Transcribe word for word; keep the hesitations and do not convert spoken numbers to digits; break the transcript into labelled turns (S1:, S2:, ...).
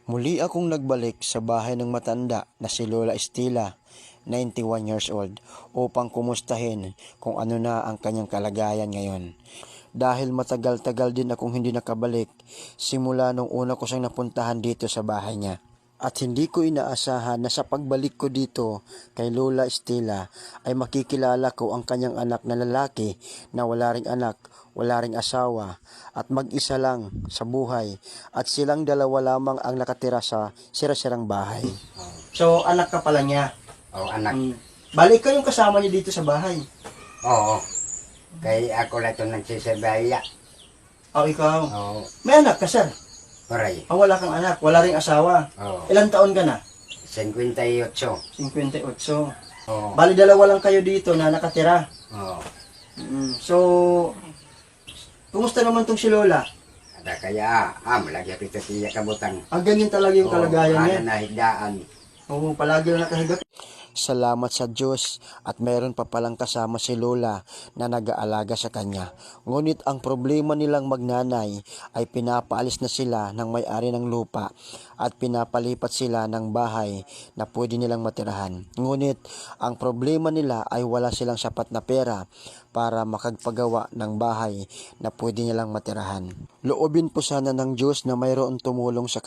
S1: Muli akong nagbalik sa bahay ng matanda na si Lola Estela, ninety-one years old, upang kumustahin kung ano na ang kanyang kalagayan ngayon. Dahil matagal-tagal din akong hindi nakabalik simula nung una ko siyang napuntahan dito sa bahay niya. At hindi ko inaasahan na sa pagbalik ko dito kay Lola Estela ay makikilala ko ang kanyang anak na lalaki na wala ring anak, wala ring asawa at mag-isa lang sa buhay at silang dalawa lamang ang nakatira sa sira-sirang bahay. So anak ka pala niya?
S2: Oo, anak.
S1: Mm. Balik ka yung kasama niya dito sa bahay?
S2: Oo. Kaya ako na ito nagsisabaya.
S1: O ikaw?
S2: Oo.
S1: May anak ka, sir?
S2: Oray.
S1: Ah, wala kang anak, wala ring asawa.
S2: Oo.
S1: Ilang taon ka na?
S2: fifty-eight.
S1: fifty-eight.
S2: Oo.
S1: Bali dalawa lang kayo dito na nakatira.
S2: Oo.
S1: Mm. So, kumusta naman tong si Lola?
S2: Ada kaya, ah, malagi ako ito siya kabutang.
S1: Ang ganyan talaga yung kalagayan niya.
S2: Oo, ano na higdaan.
S1: Oo, palagi lang nakahiga. Salamat sa Diyos at meron pa palang kasama si Lola na nag-aalaga sa kanya. Ngunit ang problema nilang magnanay ay pinapaalis na sila ng may-ari ng lupa at pinapalipat sila ng bahay na pwede nilang matirahan. Ngunit ang problema nila ay wala silang sapat na pera para makagpagawa ng bahay na pwede nilang matirahan. Loobin po sana ng Diyos na mayroon tumulong sa